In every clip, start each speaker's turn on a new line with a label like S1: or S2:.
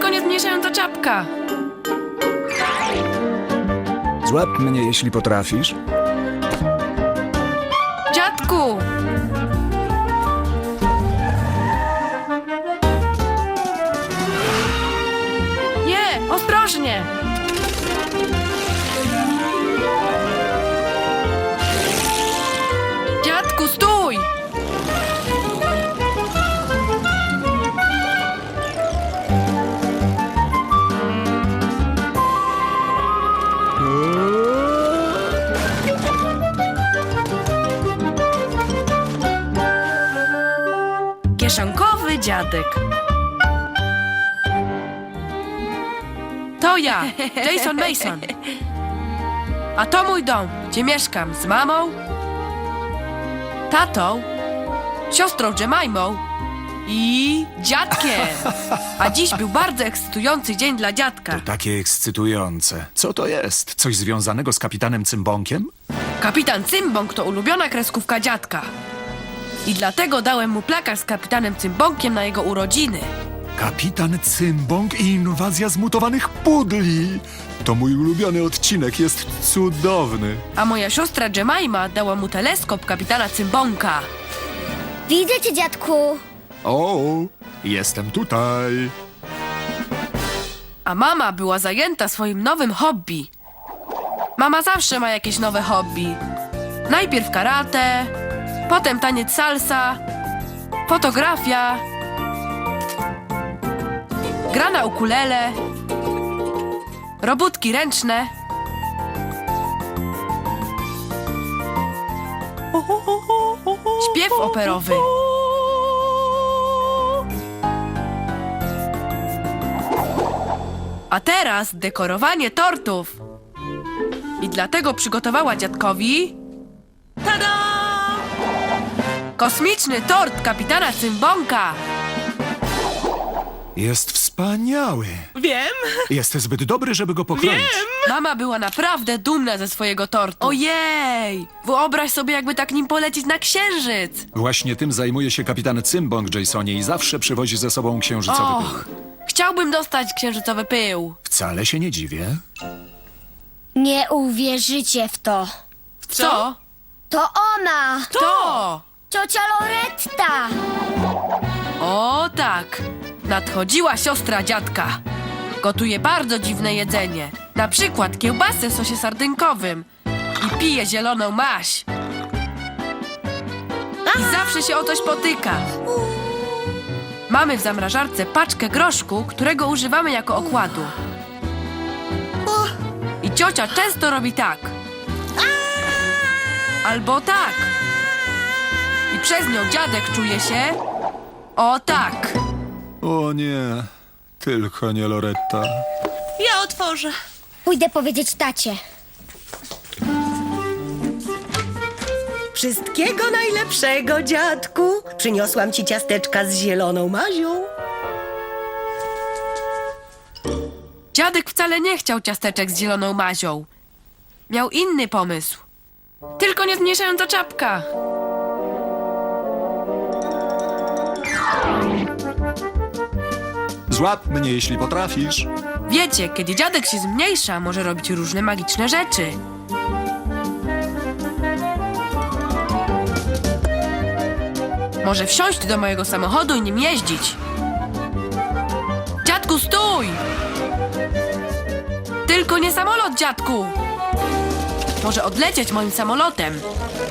S1: nie zmniejszająca czapka.
S2: Złap mnie, jeśli potrafisz.
S1: Dziadku! Nie, ostrożnie! Dziadku, stój! Kieszonkowy dziadek. To ja, Jason Mason. A to mój dom, gdzie mieszkam z mamą, tatą, siostrą Jemimą i dziadkiem. A dziś był bardzo ekscytujący dzień dla dziadka.
S2: Takie ekscytujące. Co to jest? Coś związanego z kapitanem Cymbąkiem?
S1: Kapitan Cymbąk to ulubiona kreskówka dziadka. I dlatego dałem mu plakat z kapitanem Cymbąkiem na jego urodziny.
S2: Kapitan Cymbąk i inwazja zmutowanych pudli. To mój ulubiony odcinek, jest cudowny.
S1: A moja siostra Jemima dała mu teleskop kapitana Cymbąka.
S3: Widzę cię, dziadku.
S2: O, jestem tutaj.
S1: A mama była zajęta swoim nowym hobby. Mama zawsze ma jakieś nowe hobby. Najpierw karate, potem taniec salsa, fotografia, gra na ukulele, robótki ręczne. Śpiew operowy. A teraz dekorowanie tortów. I dlatego przygotowała dziadkowi... Tada! Kosmiczny tort kapitana Cymbąka.
S2: Jest wspaniały.
S4: Wiem,
S2: Jest zbyt dobry, żeby go pokroić.
S1: Mama była naprawdę dumna ze swojego tortu. Ojej! Wyobraź sobie, jakby tak nim polecieć na księżyc.
S2: Właśnie tym zajmuje się kapitan Cymbąk, Jasonie, i zawsze przywozi ze sobą księżycowy
S1: Och,
S2: pył.
S1: chciałbym dostać księżycowy pył.
S2: Wcale się nie dziwię.
S3: Nie uwierzycie w to.
S1: Co?
S3: To ona!
S1: To!
S3: Ciocia Loretta!
S1: O tak! Nadchodziła siostra dziadka. Gotuje bardzo dziwne jedzenie. Na przykład kiełbasę w sosie sardynkowym. I pije zieloną maź. I zawsze się o coś potyka. Mamy w zamrażarce paczkę groszku, którego używamy jako okładu. I ciocia często robi tak. Albo tak. I przez nią dziadek czuje się... O tak.
S2: O nie, tylko nie Loretta.
S4: ja otworzę.
S3: Pójdę powiedzieć tacie.
S4: Wszystkiego najlepszego, dziadku. Przyniosłam ci ciasteczka z zieloną mazią.
S1: Dziadek wcale nie chciał ciasteczek z zieloną mazią. Miał inny pomysł. Tylko nie zmniejszająca czapka.
S2: Złap mnie, jeśli potrafisz.
S1: Wiecie, kiedy dziadek się zmniejsza, może robić różne magiczne rzeczy. Może wsiąść do mojego samochodu i nim jeździć. Dziadku, stój! Tylko nie samolot, dziadku! Może odlecieć moim samolotem.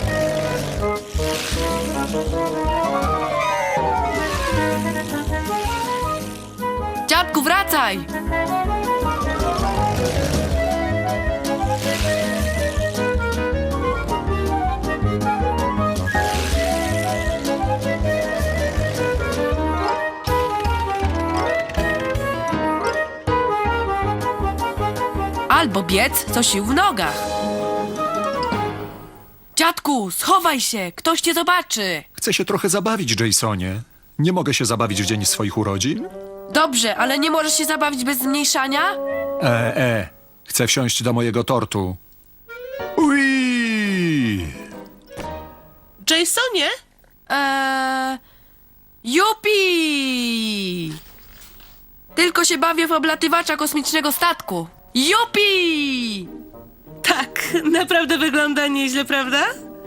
S1: Dziadku, wracaj! Albo biec co sił w nogach. Dziadku, schowaj się! Ktoś cię zobaczy!
S2: Chcę się trochę zabawić, Jasonie. Nie mogę się zabawić w dzień swoich urodzin?
S1: Dobrze, ale nie możesz się zabawić bez zmniejszania?
S2: Chcę wsiąść do mojego tortu. Ui!
S4: Jasonie?
S1: Jupi! Tylko się bawię w oblatywacza kosmicznego statku. Jupi!
S5: Tak, naprawdę wygląda nieźle, prawda?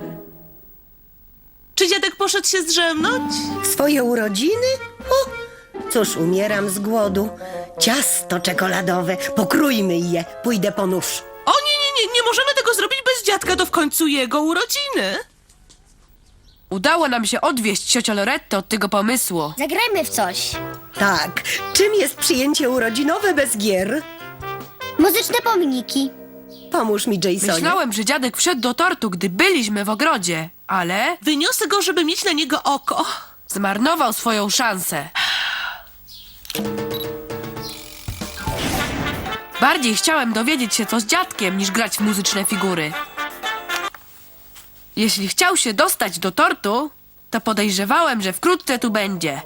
S5: Czy dziadek poszedł się zdrzemnąć?
S4: W swoje urodziny? O, cóż, umieram z głodu. Ciasto czekoladowe, pokrójmy je, pójdę po nóż.
S5: O nie możemy tego zrobić bez dziadka, to w końcu jego urodziny.
S1: Udało nam się odwieść ciocię Lorettę od tego pomysłu.
S3: Zagrajmy w coś.
S4: Tak, czym jest przyjęcie urodzinowe bez gier?
S3: Muzyczne pomniki.
S4: Pomóż mi, Jasonie.
S1: Myślałem, że dziadek wszedł do tortu, gdy byliśmy w ogrodzie, ale
S5: Wyniosę go, żeby mieć na niego oko.
S1: zmarnował swoją szansę. Bardziej chciałem dowiedzieć się, co z dziadkiem, niż grać w muzyczne figury. Jeśli chciał się dostać do tortu, to podejrzewałem, że wkrótce tu będzie.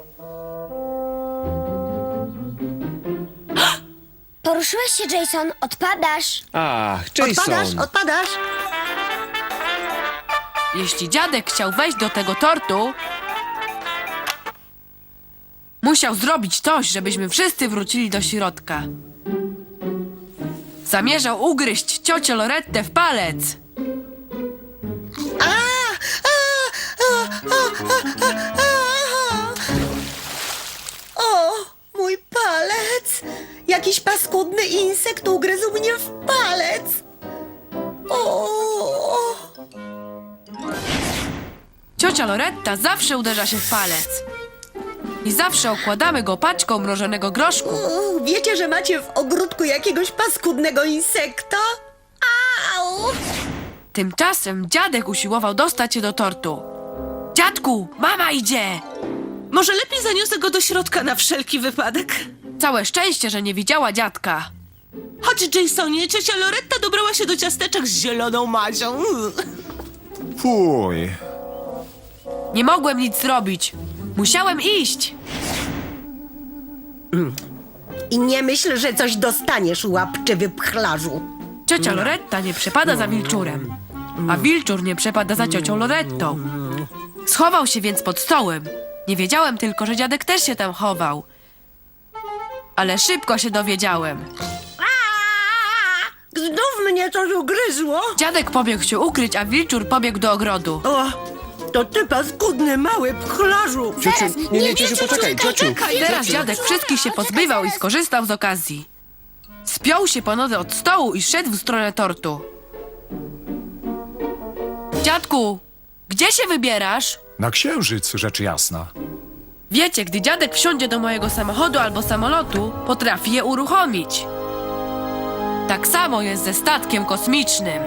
S3: Poruszyłeś się, Jason. Odpadasz.
S6: Ach, Jason.
S4: Odpadasz?
S1: Jeśli dziadek chciał wejść do tego tortu, musiał zrobić coś, żebyśmy wszyscy wrócili do środka. Zamierzał ugryźć ciocię Lorettę w palec.
S4: O, mój palec! Jakiś paskudny insekt ugryzł mnie w palec! O!
S1: Ciocia Loretta zawsze uderza się w palec. I zawsze okładamy go paczką mrożonego groszku.
S4: Wiecie, że macie w ogródku jakiegoś paskudnego insekta? Au!
S1: Tymczasem dziadek usiłował dostać się do tortu. Dziadku, mama idzie!
S5: Może lepiej zaniosę go do środka na wszelki wypadek.
S1: Całe szczęście, że nie widziała dziadka.
S5: Chodź, Jasonie, ciocia Loretta dobrała się do ciasteczek z zieloną mazią.
S2: Fuj.
S1: Nie mogłem nic zrobić. Musiałem iść.
S4: I nie myśl, że coś dostaniesz, łapczywy pchlarzu.
S1: Ciocia Loretta nie przepada za wilczurem, a wilczur nie przepada za ciocią Lorettą. Schował się więc pod stołem. Nie wiedziałem tylko, że dziadek też się tam chował. Ale szybko się dowiedziałem.
S4: Znów mnie coś ugryzło.
S1: Dziadek pobiegł się ukryć, a wilczur pobiegł do ogrodu.
S4: O, to ty paskudny mały pchlarzu.
S6: Ciociu, nie, ciociu, poczekaj, ciociu.
S1: Teraz dziadek wszystkich się pozbywał i skorzystał z okazji. Spiął się po nodze od stołu i szedł w stronę tortu. Dziadku, gdzie się wybierasz?
S2: Na księżyc, rzecz jasna.
S1: Wiecie, gdy dziadek wsiądzie do mojego samochodu albo samolotu, potrafi je uruchomić. Tak samo jest ze statkiem kosmicznym.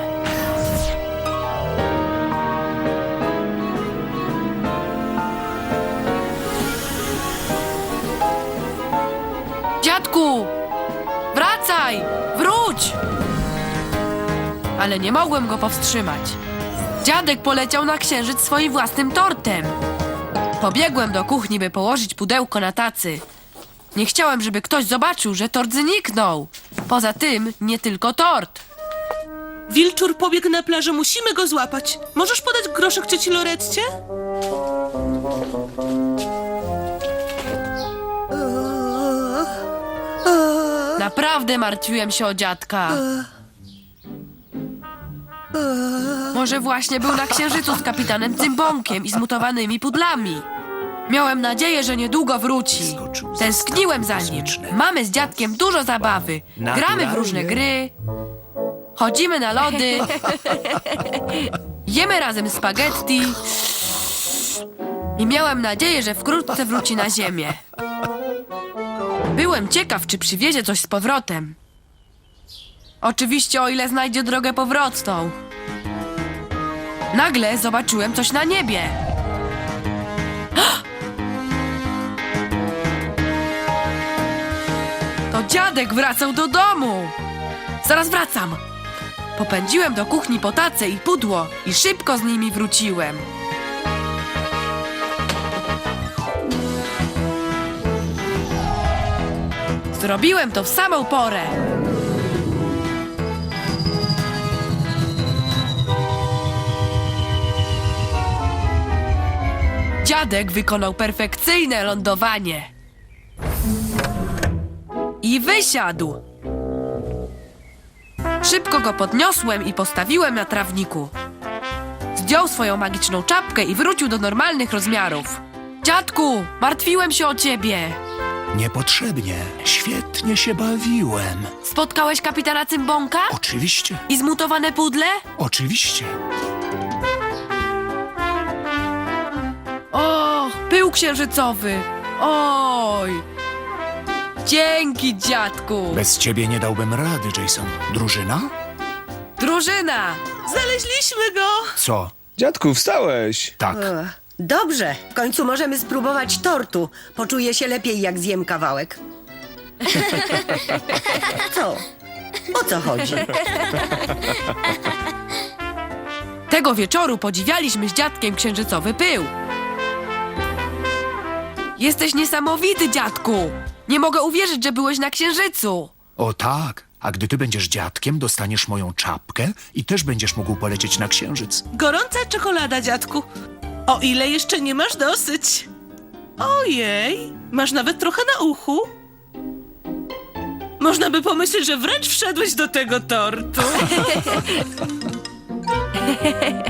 S1: Dziadku! Wracaj! Wróć! Ale nie mogłem go powstrzymać. Dziadek poleciał na księżyc swoim własnym tortem. Pobiegłem do kuchni, by położyć pudełko na tacy. Nie chciałem, żeby ktoś zobaczył, że tort zniknął. Poza tym, nie tylko tort.
S5: Wilczur pobiegł na plażę, musimy go złapać. Możesz podać groszek cioci Loretcie?
S1: Naprawdę martwiłem się o dziadka. Może właśnie był na księżycu z kapitanem Cymbąkiem i zmutowanymi pudlami. Miałem nadzieję, że niedługo wróci. Tęskniłem za nim. Mamy z dziadkiem dużo zabawy. Gramy w różne gry. Chodzimy na lody. Jemy razem spaghetti. I miałem nadzieję, że wkrótce wróci na ziemię. Byłem ciekaw, czy przywiezie coś z powrotem. Oczywiście, o ile znajdzie drogę powrotną. Nagle zobaczyłem coś na niebie. To dziadek wracał do domu. Zaraz wracam. Popędziłem do kuchni po tacę i pudło i szybko z nimi wróciłem. Zrobiłem to w samą porę. Dziadek wykonał perfekcyjne lądowanie. I I wysiadł. Szybko go podniosłem i postawiłem na trawniku. Zdjął swoją magiczną czapkę i wrócił do normalnych rozmiarów. Dziadku, martwiłem się o ciebie.
S2: Niepotrzebnie. Świetnie się bawiłem.
S1: Spotkałeś kapitana Cymbąka?
S2: Oczywiście,
S1: I zmutowane pudle?
S2: oczywiście.
S1: O, pył księżycowy. Oj. Dzięki, dziadku.
S2: Bez ciebie nie dałbym rady, Jason. Drużyna?
S1: Drużyna.
S5: Znaleźliśmy go!
S2: Co?
S6: Dziadku, wstałeś!
S2: Tak.
S4: Dobrze, w końcu możemy spróbować tortu. Poczuję się lepiej, jak zjem kawałek. Co? O co chodzi?
S1: Tego wieczoru podziwialiśmy z dziadkiem księżycowy pył. Jesteś niesamowity, dziadku. Nie mogę uwierzyć, że byłeś na księżycu.
S2: O tak. A gdy ty będziesz dziadkiem, dostaniesz moją czapkę i też będziesz mógł polecieć na księżyc.
S5: Gorąca czekolada, dziadku. O ile jeszcze nie masz dosyć. Ojej, masz nawet trochę na uchu. Można by pomyśleć, że wręcz wszedłeś do tego tortu.